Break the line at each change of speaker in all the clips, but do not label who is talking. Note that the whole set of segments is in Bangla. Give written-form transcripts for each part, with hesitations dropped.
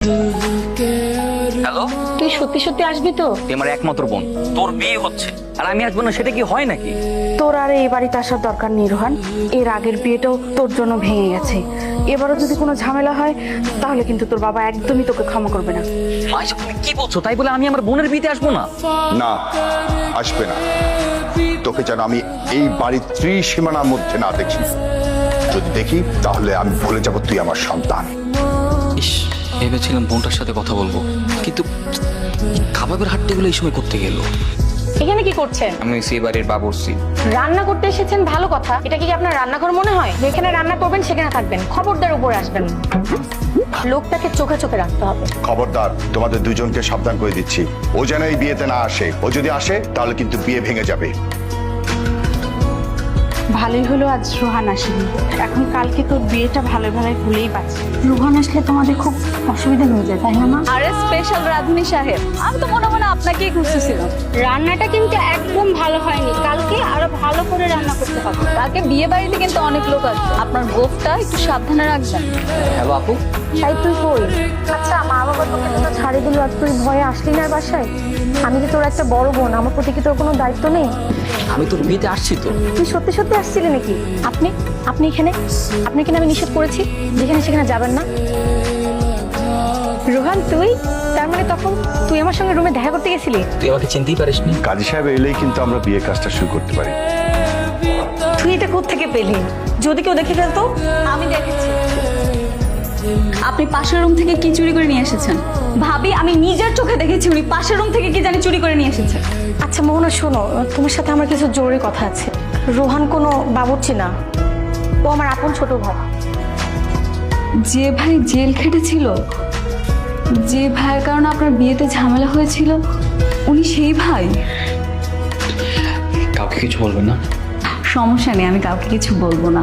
হ্যালো,
তুই সত্যি সত্যি আসবি তো?
তুই আমার একমাত্র বোন, তোর বিয়ে হচ্ছে আর আমি আসবো না, সেটা কি হয় নাকি?
তোর আর এই বাড়িতে আসার দরকার নেই রোহান। এর আগের বিয়েটাও তোর জন্য ভেঙে গেছে। এবারও যদি কোনো ঝামেলা হয় তাহলে কিন্তু তোর বাবা একদমই তোকে ক্ষমা করবে না।
মা, এসব তুমি কি বলছো? তাই বলে আমি আমার বোনের বিয়েতে আসবো না?
না, আসবে না। তোকে যেন আমি এই বাড়ির ত্রিসীমানার মধ্যে না দেখি। যদি দেখি তাহলে আমি ভুলে যাব তুই আমার সন্তান।
ইস, ভেবেছিলাম বোনটার সাথে কথা বলবো, কিন্তু কাবাবের হাট্টিগুলো এই সময় করতে গেল।
এখানে কি করছেন?
আমি সেই বাড়ির বাবুর্চি।
রান্না করতে এসেছেন, ভালো কথা। এটা কি আপনার রান্নাঘর মনে হয়? যেখানে রান্না করবেন সেখানে থাকবেন, খবরদার উপরে আসবেন না। লোকটাকে চোখে চোখে রাখতে হবে।
খবরদার, তোমাদের দুজনকে সাবধান করে দিচ্ছি। ও যেন এই বিয়েতে না আসে। ও যদি আসে তাহলে কিন্তু বিয়ে ভেঙে যাবে।
ভালোই হলো আজ রোহান আসেনি, এখন কালকে তোর বিয়েটা ভালো ভালো ভুলেই পাচ্ছি। রোহান আসলে তোমাদের খুব অসুবিধা হয়ে যায়, তাই না মা?
আরে স্পেশাল রাধুনী সাহেব, আমি তো মনে মনে আপনাকেই খুঁজতেছিলাম।
রান্নাটা কিন্তু একদম ভালো হয়নি, কালকে আরো ভালো করে রান্না করতে হবে।
কালকে বিয়ে বাড়িতে কিন্তু অনেক লোক আসবে, আপনার গোফটা একটু সাবধানে রাখবেন।
হ্যালো আপু,
তাই তুই কই? আচ্ছা, মা বাবা তোকে তো ছাড়ি দিল আর তুই ভয়ে আসলি না বাসায়? আমি যে তোর একটা বড় বোন, আমার প্রতি কি তোর কোনো দায়িত্ব নেই?
আমি তোর বিয়েতে আসছি তো।
তুই সত্যি সত্যি আসছিলি নাকি? আপনি এখানে? আপনি কিনা আমি নিষেধ করেছি যেখানে সেখানে যাবেন না? রোহান, তুই তার মানে তখন তুই আমার সঙ্গে রুমে দেখা করতে গেছিলি?
তুই আমাকে চিনতেই পারিসনি।
কাজী সাহেব এলেই কিন্তু আমরা বিয়ে কাজটা শুরু করতে পারি।
তুই এটা কোত্থেকে পেলি? যদি কেউ দেখে ফেলতো?
আমি দেখেছি আপনি পাশের রুম থেকে কি চুরি করে নিয়ে এসেছেন। ভাবি, আমি নিজের চোখে দেখেছি উনি পাশের রুম থেকে কি জানি চুরি করে নিয়ে এসেছেন।
আচ্ছা মোহনা, শোনো, তোমার সাথে আমার কিছু জরুরি কথা আছে। রোহান কোনো বাবুর্চি না, ও আমার আপন ছোট ভাই।
যে ভাই জেল খেটেছিল, যে ভাইয়ের কারণে আপনার বিয়েতে ঝামেলা হয়েছিল, উনি সেই ভাই?
কাউকে কিছু বলবে না?
সমস্যা নেই, আমি কাউকে কিছু বলবো না।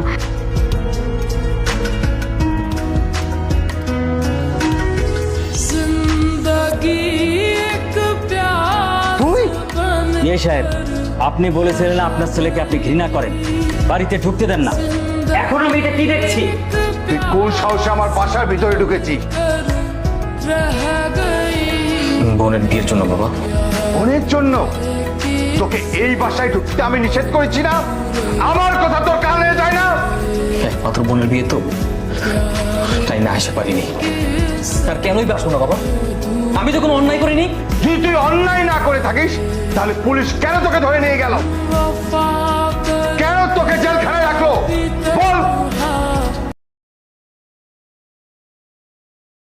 ইয়ে সাহেব, আপনি বলেছিলেন আপনার ছেলেকে আপনি ঘৃণা করেন, বাড়িতে ঢুকতে দেন না। এখন আমি এটা কি দেখছি?
তুই কোন সাহসে আমার বাসার ভিতরে ঢুকেছি?
বোনের বিয়ের জন্য বাবা।
বোনের জন্য? তোকে এই বাসায় ঢুকতে আমি নিষেধ করেছি না? আমার কথা তোর কানে যায় না?
একমাত্র বোনের বিয়ে তো, তাই না আসতে পারিনি। তার কেনই বাসবো না বাবা? আমি তো কোনো অন্যায় করিনি।
যদি তুই অন্যায় না করে থাকিস তাহলে পুলিশ কেন তোকে ধরে নিয়ে গেল?